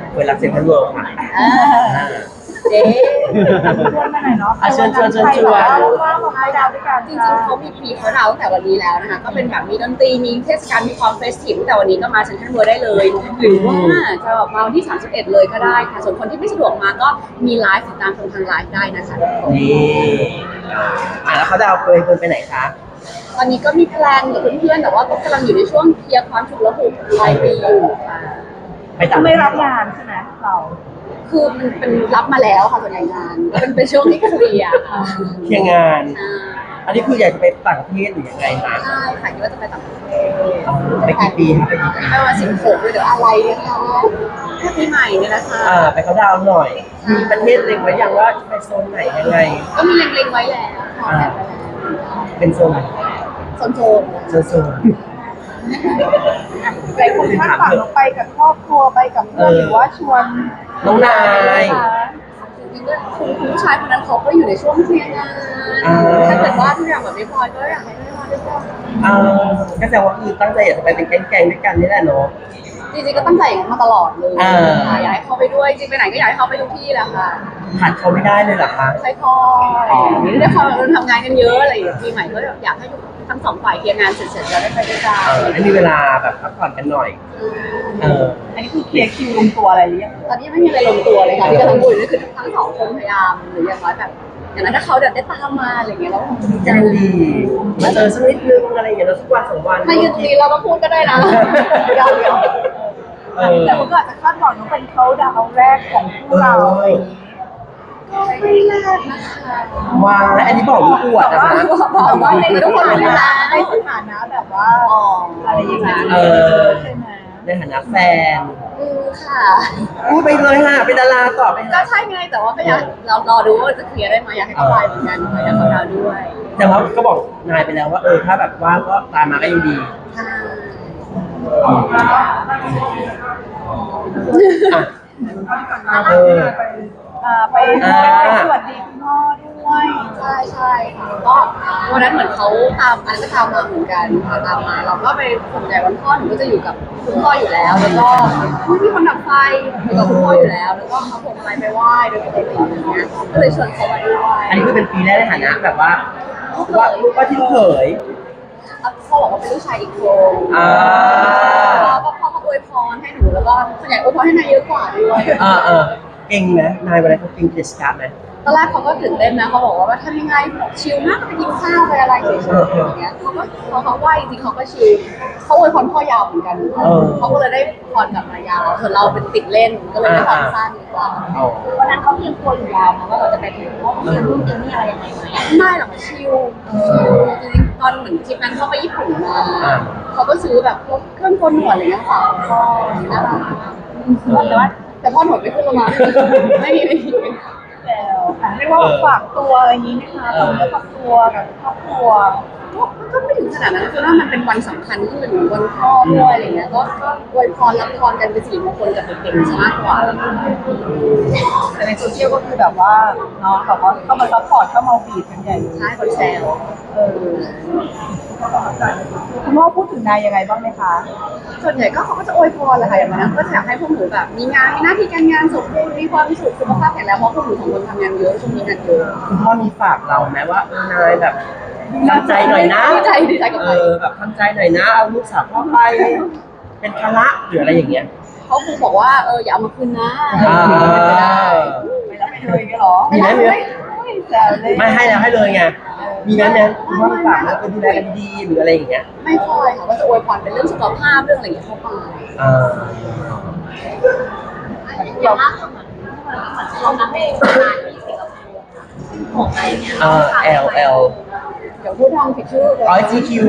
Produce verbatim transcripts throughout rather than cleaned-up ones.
เปิดรับเซ็นทรัลเวิลด์ค่ะเจ๊ชวนมาหน่อยเนาะเชิญชวนเชิญชวนว่ามาไปดาวด้วยกันจริงๆเขามีพรีเขาดาวตั้งแต่วันนี้แล้วนะคะก็เป็นแบบมีดนตรีมีเทศกาลมีความเฟสทีฟตั้งแต่วันนี้ก็มาเซ็นทรัลเวิลด์ได้เลยหรือว่าจะมาวันที่สามสิบเอ็ดเลยก็ได้ค่ะส่วนคนที่ไม่สะดวกมาก็มีไลฟ์ติดตามชมทางไลฟ์ได้นะคะนี่อ่ะแล้วเขาดาวเคยไปไหนคะตอนนี้ก็มีแพลนกับเพื่อนๆแต่ว่าก็กำลังอยู่ในช่วงเคลียร์ความฉุกละหุกปลายปีอยู่ค่ะไปต่างไม่รับงานใช่ไหมเราคือมันเป็นรับมาแล้วค่ะส่วนใหญ่งานเป็นเป็นช่วงที่เคลียร์ค่ะเคลียร์งานอันนี้คืออยากจะไปต่างประเทศหรือยังไงคะใช่ค่ะคิดว่าจะไปต่างประเทศไปกี่ปีคะไปกี่ปีไปวันสิบหกเดี๋ยวอะไรเนี่ยคะแค่ปีใหม่เนี่ยนะคะอ่าไปเขาดาวหน่อยมีประเทศเล็งไว้ยังว่าไปโซนไหนยังไงก็มีเล็งๆไว้แล้วค่ะเป็นโซนโซนโซนโซนโซนหลายคนคาดหวังไปกับครอบครัวไปกับเพื่อนหรือว่าชวนน้องนายจริงๆก็คุณผู้ชายคนนั้นเขาก็อยู่ในช่วงเคลียร์งานถ้าเกิดว่าทุกอย่างแบบไม่พอก็อยากให้ไม่พอด้วยกันอ่าก็แสดงว่าคือตั้งใจอยากจะไปเป็นแก๊งๆด้วยกันนี่แหละเนาะจริงๆก็ตั้งใจมาตลอดเลยอยากให้เขาไปด้วยจริงไปไหนก็อยากให้เขาไปทุกที่แหละค่ะขาดเขาไม่ได้เลยเหรอคะค่อยๆนี่ด้วยความเราทำงานกันเยอะอะไรอย่างเงี้ยปีใหม่ก็อยากให้ทั้งสองฝ่ายเคลียร์งานเสร็จๆแล้วได้ไปด้วยกันให้มีเวลาแบบพักผ่อนกันหน่อยเอออันนี้คือเคลียร์คิวลงตัวอะไรหรือยังตอนนี้ไม่มีอะไรลงตัวเลยค่ะที่กำลังพูดนี่คือทั้งสองคนพยายามหรืออย่างน้อยแบบอย่างนั้นถ้าเขาเดี๋ยวได้ตามมาอะไรอย่างเงี้ยแล้วคงจะดีใจดีมาเจอสักนิดนึงอะไรอย่างเงี้ยแล้วสักวันสองวันถ้ายืนดีเราก็พูดก็ได้นะยอมยอมแต่ผมก็อาจจะคาดหวังว่าเป็นเขาดาวแรกของพวกเราก็ไม่แรกนะคะว้าวอันนี้บอกว่าอวดนะคะบอกว่าในทุกคนเลยนะในสถานะแบบว่าอะไรอย่างเงี้ยเออใช่ไหมในฐานะแฟนอือค่ะพูดไปเลยค่ะเป็นดาราต่อไปก็ใช่ไงแต่ว่าก็อยากเรารอดูว่าจะเคลียร์ได้ไหมอยากให้เขาไปเหมือนกันอยากเขาดาวด้วยแต่ว่าก็บอกนายไปแล้วว่าเออถ้าแบบว่างก็ตามมาก็ยังดีเออไปไปสวัสดีคุณพ่อด้วยใช่ใช่ค่ะก็วันนั้นเหมือนเขาตามอันก็ตามมาเหมือนกันตามมาเราก็ไปส่วนใหญ่วันพ่อหนูก็จะอยู่กับคุณพ่ออยู่แล้วแล้วก็มีคนดับไฟอยู่กับคุณพ่ออยู่แล้วแล้วก็เขาผมไปไปไหว้โดยปกติอย่างเงี้ยก็เลยชวนเขามาด้วยอันนี้คือเป็นปีแรกในฐานะแบบว่าว่าลูกก็ที่เขยพ่อบอกว่าเป็นลูกชายอีกคนแล้วก็พ่อก็อวยพรให้หนูแล้วก็ส่วนใหญ่อวยพรให้นายเยอะกว่าด้วยอ่าเออเก่งไหมนายวันนั้นเขาเก่งกิจกรรมไหมตอนแรกเขาก็ตื่นเต้นนะเขาบอกว่าทำยังไงชิลมากไปกินข้าวไปอะไรเฉยๆอย่างเงี้ยเขาก็เขาเขาไหวจริงเขาก็ชิลเขาอวยพรพ่อยาวเหมือนกันเขาก็เลยได้พรกลับมายาวส่วนเราเป็นติดเล่นก็เลยได้พรสั้นดีกว่าวันนั้นเขาเตรียมตัวอยู่ยาวนะว่าเราจะไปถึงว่าเขาเตรียมรุ่นเตรียมนี่อะไรยังไงไหมไม่หรอกชิลจริงๆตอนเหมือนทริปนั้นเขาไปญี่ปุ่นมาเขาก็ซื้อแบบพวกเครื่องโกนหนวดอะไรเงี้ยฝากพ่อน่ารักแต่ว่าแต่พ่อหนวดไม่ขึ้นลงมาไม่มีไม่มีแล้วเรียกว่าฝากตัวอะไรอย่างนี้นะคะฝากเนื้อฝากตัวกับครอบครัวก็ไม่ถึงขนาดนั้นคือว่ามันเป็นวันสำคัญที่เป็นวันพ่อด้วยอะไรเงี้ยก็อวยพรรับพรกันเป็นสิริมงคลกับเด็กๆมากกว่าแต่ในโซเชียลก็คือแบบว่าเนาะแบบว่าเข้ามาซัพพอร์ตเข้ามาฟีดกันใหญ่ใช่คนแซวเออคุณพ่อพูดถึงนายยังไงบ้างไหมคะส่วนใหญ่ก็เขาก็จะอวยพรแหละค่ะอย่างนั้นก็อยากให้พวกหนูแบบมีงานมีหน้าที่การงานสมบูรณ์มีความสุขสุขภาพแข็งแรงเพราะพวกหนูสองคนทำงานเยอะช่วงนี้งานเยอะคุณพ่อมีฝากเราไหมว่าเออนายแบบทำใจหน่อยนะดีใจดีใจกับเออแบบทำใจหน่อยนะเอาลูกสาวพ่อไปเป็นภาระหรืออะไรอย่างเงี้ยเขาคงบอกว่าเอออย่าเอามาคืนนะไม่รับไม่เลยกันหรอมีไหมเนี่ยไม่ให้แล้วให้เลยไงมีไหมเนี่ยคุณพ่อฝากว่าเออดูแลกันดีหรืออะไรอย่างเงี้ยไม่ค่อยค่ะก็จะอวยพรเป็นเรื่องสุขภาพเรื่องอะไรอย่างเงี้ยเข้าไปอ่าอย่างล่าสุดเหมือนเหมือนช่วงนั้นเองงานที่สิงคโปร์ของอะไรเงี้ยอ่า L L เดี๋ยวพูดทางผิดชื่อเลยอ๋อ จี คิว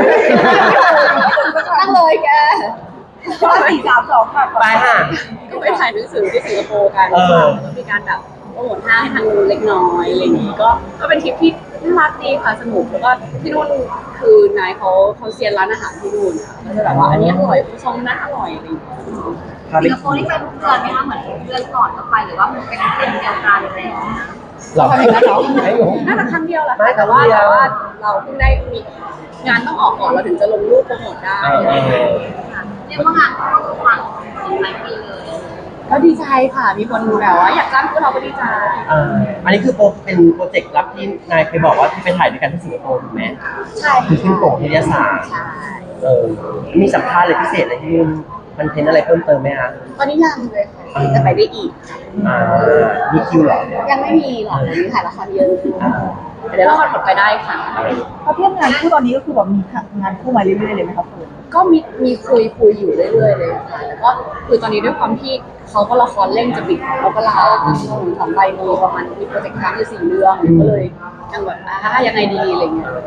ตั้งเลยแกก็สี่สามสองค่ะไปค่ะก็ไปถ่ายหนังสือที่สิงคโปร์กันก็มีการแบบโปรโมทห้างให้ทางเล็กน้อยอะไรอย่างนี้ก็ก็เป็นทริปที่น่ารักดีค่ะสนุกแล้วก็ที่นู่นคือนายเขาเขาเซียนร้านอาหารที่นู่นค่ะก็จะแบบว่าอันนี้อร่อยซองนั้นอร่อยอะไรอย่างเงี้ยสิงคโปร์นี่ไปทุกเดือนไหมคะเหมือนเดือนก่อนก็ไปหรือว่ามันเป็นเดือนเดียวกันอะไรอย่างเงี้ยเราทำอย่างนั้นเหรอน่าจะครั้งเดียวแหละแต่ว่าแต่ว่าเราเพิ่งได้มีงานต้องออกก่อนเราถึงจะลงรูปโปรโมทได้เรียกว่างานเข้าทุกวันหลายปีเลยก็ดีใจค่ะ มีคนแบบว่าอยากจ้างพวกเราก็ดีใจอ่าอันนี้คือโปรเป็นโปรเจกต์ลับที่นายเคยบอกว่าที่ไปถ่ายด้วยกันที่สิงคโปร์ถูกไหมใช่คือขึ้นโปกวิทยาศาสตร์ใช่เออมีสัมภาษณ์อะไรพิเศษอะไรที่นู่นมันเทนอะไรเพิ่มเติมไหมคะตอนนี้ยังเลยค่ะจะไปได้อีกอ่ามีคิวเหรอยังไม่มีหรอกยังมีถ่ายละครเยอะอ่าแต่เดี๋ยวละครผลไปได้ค่ะเพราะเทียบงานคู่ตอนนี้ก็คือแบบมีงานคู่มาเรื่อยๆเลยไหมครับคุณก็มีมีคุยคุยอยู่เรื่อยๆเลยค่ะแล้วก็คือตอนนี้ด้วยความที่เขาก็ละครเร่งจะปิดแล้วก็ลาสองใบมีประมาณมีโปรเจกต์ค้างอยู่สี่เรื่องก็เลยยังแบบอ่ายังไงดีอะไรเงี้ย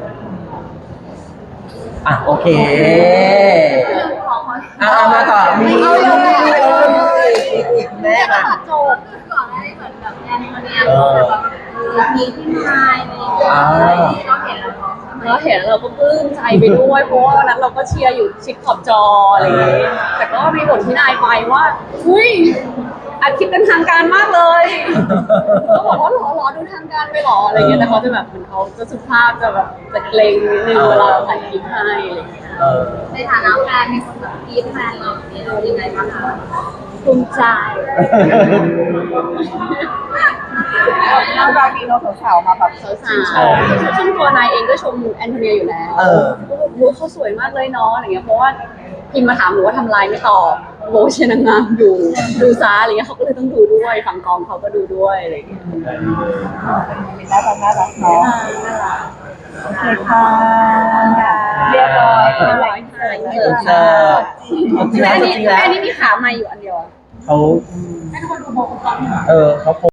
อ่ะโอเคขอขออ่ามาต่อมีเอาเลยอีกแม่มาตัดจบก่อนหน้านี้เหมือนแบบแอนโทเนียแบบว่ามีที่นายอะไรอย่างเงี้ยเราเห็นแล้วเราเห็นเราก็ปลื้มใจไปด้วยเพราะว่าวันนั้นเราก็เชียร์อยู่ชิดขอบจออะไรอย่างเงี้ยแต่ก็มีบทที่นายไปว่าอุ้ยอัดคลิปเป็นทางการมากเลยก็บอกว่าหรอหรอดูทางการไปหรออะไรเงี้ยแต่เขาจะแบบเหมือนเขาจะสุภาพจะแบบจะเกรงนิดนึงเวลาถ่ายคลิปให้อะไรเงี้ยเออในฐานะแฟนมีคนแบบกรี๊ดแฟนเราเนี่ยเรายังไงบ้างคะภูมิใจน่ารักดีเนาะสาวๆมาแบบสาวๆซึ่งตัวนายเองก็ชมแอนโทเนียอยู่แล้วเออก็แบบรู้เขาสวยมากเลยเนาะอะไรเงี้ยเพราะว่าพิมมาถามหนูว่าทำลายไม่ตอบโบเชยร์นางงามอยู่ดูซาอะไรเงี้ยเขาก็เลยต้องดูด้วยฝั่งกองเขาก็ดูด้วยอะไรเงี้ยน่ารักน่ารักเนาะน่ารักโอเคค่ะเรียบร้อยเรียบร้อยค่ะเออเจอจริงแล้วแม่จนี่ริงแล้วแม่นี่มีขาใหม่อยู่อันเดียวอะเขาเออเขา